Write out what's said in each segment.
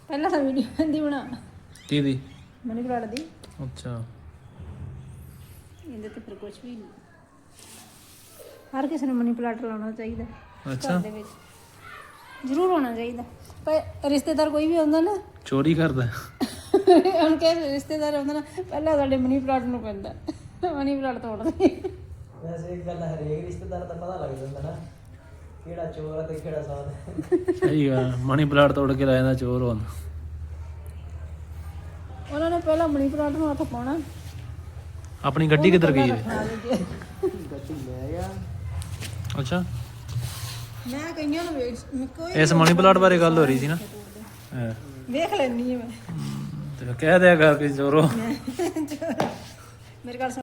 ਪਹਿਲਾਂ ਤਾਂ ਵੀਡੀਓ ਦੀ ਬਣਾ ਕਿਹਦੀ? ਮਨੀ ਪਲਾਟ ਦੀ। ਅੱਛਾ ਇਹਦੇ ਤੇ ਫਿਰ ਕੁਝ ਵੀ ਨਹੀਂ। ਹਰ ਕਿਸੇ ਨੂੰ ਮਨੀ ਪਲਾਟ ਲਾਉਣਾ ਚਾਹੀਦਾ ਅੱਛਾ ਘਰ ਦੇ ਵਿੱਚ, ਜ਼ਰੂਰ ਹੋਣਾ ਚਾਹੀਦਾ। ਪਰ ਰਿਸ਼ਤੇਦਾਰ ਕੋਈ ਵੀ ਆਉਂਦਾ ਨਾ ਚੋਰੀ ਕਰਦਾ ਹੁਣ ਕਿ ਰਿਸ਼ਤੇਦਾਰ ਆਉਂਦਾ ਨਾ ਪਹਿਲਾਂ ਸਾਡੇ ਮਨੀ ਪਲਾਟ ਨੂੰ ਪੈਂਦਾ, ਮਨੀ ਪਲਾਟ ਤੋੜਦੇ। ਵੈਸੇ ਇੱਕ ਗੱਲ ਹਰੇਕ ਰਿਸ਼ਤੇਦਾਰ ਦਾ ਪਤਾ ਲੱਗ ਜਾਂਦਾ ਨਾ ਕਿਹੜਾ ਚੋਰ ਆ ਤੇ ਕਿਹੜਾ ਸਾਧ। ਸਹੀ ਗੱਲ, ਮਨੀ ਪਲਾਟ ਤੋੜ ਕੇ ਲੈ ਜਾਂਦਾ ਚੋਰ ਹੁਣ। ਉਹਨਾਂ ਨੇ ਪਹਿਲਾਂ ਮਨੀ ਪਲਾਟ ਨੂੰ ਹੱਥ ਪਾਉਣਾ। ਆਪਣੀ ਗੱਡੀ ਕਿੱਧਰ ਗਈ ਹੈ? ਗੱਡੀ ਲੈ ਗਿਆ। ਅੱਛਾ ਮੈਂ ਕਈਆਂ ਨੂੰ ਵੇਖ ਇਸ ਮਨੀ ਪਲਾਟ ਬਾਰੇ ਗੱਲ ਹੋ ਰਹੀ ਸੀ ਨਾ। ਵੇਖ ਲੈਣੀ ਆ ਮੈਂ। ਤੇ ਕਹਿ ਦਿਆ ਕਰ ਕਿ ਚੋਰੋ। ਮੇਰੇ ਘਰ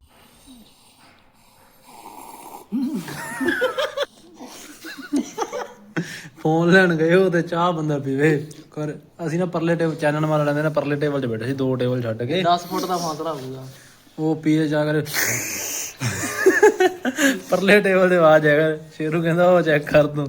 ਫੋਨ ਲੈਣ ਗਏ ਉਹ ਤੇ ਚਾਹ ਬੰਦਾ ਪੀਵੇ ਕਰ। ਅਸੀਂ ਨਾ ਪਰਲੇ ਟੇਬਲ ਚੈਨਲ ਵਾਲਾ ਲੈਂਦੇ ਨਾ, ਪਰਲੇ ਟੇਬਲ 'ਚ ਬੈਠੇ ਸੀ, 2 ਟੇਬਲ ਛੱਡ ਕੇ। 10 ਫੁੱਟ ਦਾ ਫਾਸਲਾ ਹੋਊਗਾ। ਉਹ ਪੀਏ ਜਾ ਕਰ ਪਰਲੇ ਟੇਬਲ ਤੇ ਆਵਾਜ਼ ਆਇਆ। ਸ਼ੇਰੂ ਕਹਿੰਦਾ ਉਹ ਚੈੱਕ ਕਰ ਤੂੰ।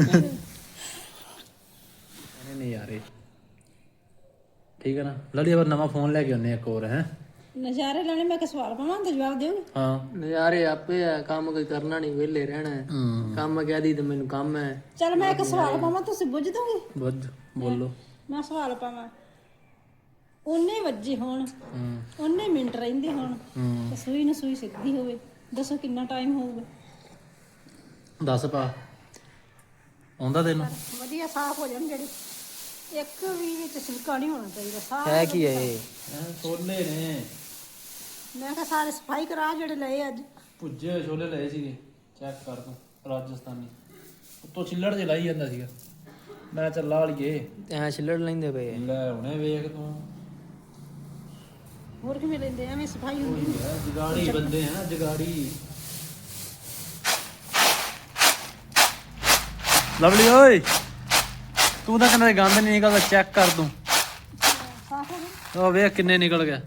ਨਹੀਂ ਯਾਰ ਠੀਕ ਹੈ ਨਾ ਲੜੀ। ਪਰ ਨਵਾਂ ਫੋਨ ਲੈ ਕੇ ਆਉਂਦੇ ਇੱਕ ਹੋਰ ਹੈ। ਨਜ਼ਾਰੇ ਲੈਣੇ। ਮੈਂ ਕਿ ਸਵਾਲ ਪਾਵਾਂ ਤਾਂ ਜਵਾਬ ਦਿਓ। ਹਾਂ ਨਜ਼ਾਰੇ ਆਪੇ ਆ, ਕੰਮ ਕੋਈ ਕਰਨਾ ਨਹੀਂ, ਵਿਹਲੇ ਰਹਿਣਾ ਹੈ। ਕੰਮ ਕਹਿ ਦੀ ਤੇ ਮੈਨੂੰ ਕੰਮ ਹੈ। ਚਲ ਮੈਂ ਇੱਕ ਸਵਾਲ ਪਾਵਾਂ, ਤੁਸੀਂ ਬੁੱਝ ਦੋਗੇ? ਬੁੱਝ ਬੋਲੋ। ਮੈਂ ਸਵਾਲ ਪਾਵਾਂ, 19 ਵਜੇ ਹੋਣ, 19 ਮਿੰਟ ਰਹਿੰਦੇ ਹੋਣ ਤੇ ਸੂਈ ਨੂੰ ਸੂਈ ਸਿੱਧੀ ਹੋਵੇ, ਦੱਸੋ ਕਿੰਨਾ ਟਾਈਮ ਹੋਊਗਾ? 10 ਪਾ ਆਉਂਦਾ ਤੈਨੂੰ? ਵਧੀਆ ਸਾਫ਼ ਹੋ ਜਾਣ ਜਿਹੜੀ, ਇੱਕ ਵੀ ਵਿੱਚ ਛਿਲਕਾ ਨਹੀਂ ਹੋਣਾ ਚਾਹੀਦਾ। ਸਾਫ਼ ਹੈ ਕੀ ਹੈ ਇਹ? ਛੋਲੇ ਨੇ। ਮੈਂ ਕਿਹਾ ਸਾਰੇ ਸਫਾਈ ਕਰਾ ਜਿਹੜੇ ਲਏ ਅੱਜ। ਭੁੱਜੇ ਹੋਏ ਛੋਲੇ ਲਏ ਸੀਗੇ, ਚੈੱਕ ਕਰ ਤੂੰ। ਰਾਜਸਥਾਨੀ ਉੱਤੋਂ ਛਿੱਲੜ ਜੇ ਲਾਈ ਜਾਂਦਾ ਸੀਗਾ। ਮੈਂ ਚੱਲ ਲਾ ਲਈਏ। ਐ ਛਿੱਲੜ ਲੈਂਦੇ ਪਏ ਆ। ਲੈ ਹੁਣੇ ਵੇਖ ਤੂੰ। ਹੋਰ ਕਿਵੇਂ ਲੈਂਦੇ? ਐਵੇਂ ਸਫਾਈ ਹੁੰਦੀ ਹੈ ਜਗਾੜੀ ਬੰਦੇ ਆ, ਜਗਾੜੀ। ਲਵਲੀ ਓਏ ਤੂੰ ਤਾਂ ਕਹਿੰਦਾ ਗੰਦ ਨਹੀਂ ਨਿਕਲਦਾ, ਚੈੱਕ ਕਰ ਤੂੰ। ਸਾਫ਼ ਹੋ ਗਿਆ। ਉਹ ਵੇਖ ਕਿੰਨੇ ਨਿਕਲ ਗਿਆ।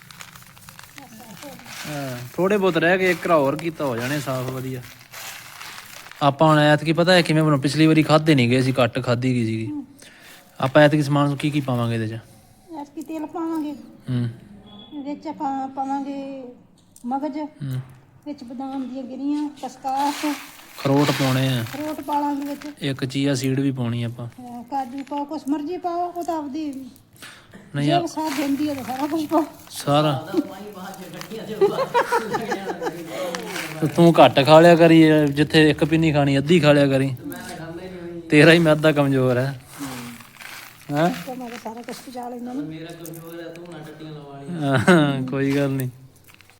ਹਾਂ ਥੋੜੇ ਬਹੁਤ ਰਹਿ ਗਏ, ਇੱਕ ਹੋਰ ਕੀਤਾ ਹੋ ਜਾਣੇ ਸਾਫ਼ ਵਧੀਆ। ਆਪਾਂ ਹੁਣ ਐਤਕੀ ਪਤਾ ਹੈ ਕਿਵੇਂ ਬਣਾਉ? ਪਿਛਲੀ ਵਾਰੀ ਖਾਧੇ ਨਹੀਂ ਗਏ ਸੀ, ਘੱਟ ਖਾਧੀ ਗਈ ਸੀਗੀ। ਆਪਾਂ ਐਤਕੀ ਸਮਾਨ ਕੀ ਕੀ ਪਾਵਾਂਗੇ ਇਹਦੇ 'ਚ? ਐਤਕੀ ਤੇਲ ਪਾਵਾਂਗੇ, ਵਿੱਚ ਆਪਾਂ ਪਾਵਾਂਗੇ ਮਗਜ਼, ਵਿੱਚ ਬਦਾਮ ਦੀਆਂ ਗਿਰੀਆਂ, ਕਸਕਾਸ, ਅਖਰੋਟ ਪਾਉਣੇ ਆ, ਅਖਰੋਟ ਪਾ ਲਾਂਗੇ ਵਿੱਚ, ਇੱਕ ਚੀਆ ਸੀਡ ਵੀ ਪਾਉਣੀ ਆਪਾਂ। ਕਾਜੂ ਪਾਓ, ਕੁਛ ਮਰਜ਼ੀ ਪਾਓ, ਉਹ ਤਾਂ ਆਪਦੀ ਨਹੀਂ ਜੇ ਸਾਥ ਦਿੰਦੀ ਹੈ ਤਾਂ ਸਾਰਾ ਕੁਝ ਪਾਓ। ਸਾਰਾ ਤੂੰ ਘੱਟ ਖਾ ਲਿਆ ਕਰੀ, ਜਿੱਥੇ ਇੱਕ ਪਿੰਨੀ ਖਾਣੀ ਅੱਧੀ ਖਾ ਲਿਆ ਕਰੀ। ਤੇਰਾ ਹੀ ਮੈਦਾ ਕਮਜ਼ੋਰ ਹੈ। ਹੈਂ ਮੈਂ ਸਾਰਾ ਕੁਝ ਪਚਾ ਲੈਂਦਾ ਨਾ। ਮੇਰਾ ਕਮਜ਼ੋਰ ਹੈ, ਤੂੰ ਨਾ ਟੱਟੀਆਂ ਲਵਾ ਲਈ। ਕੋਈ ਗੱਲ ਨਹੀਂ।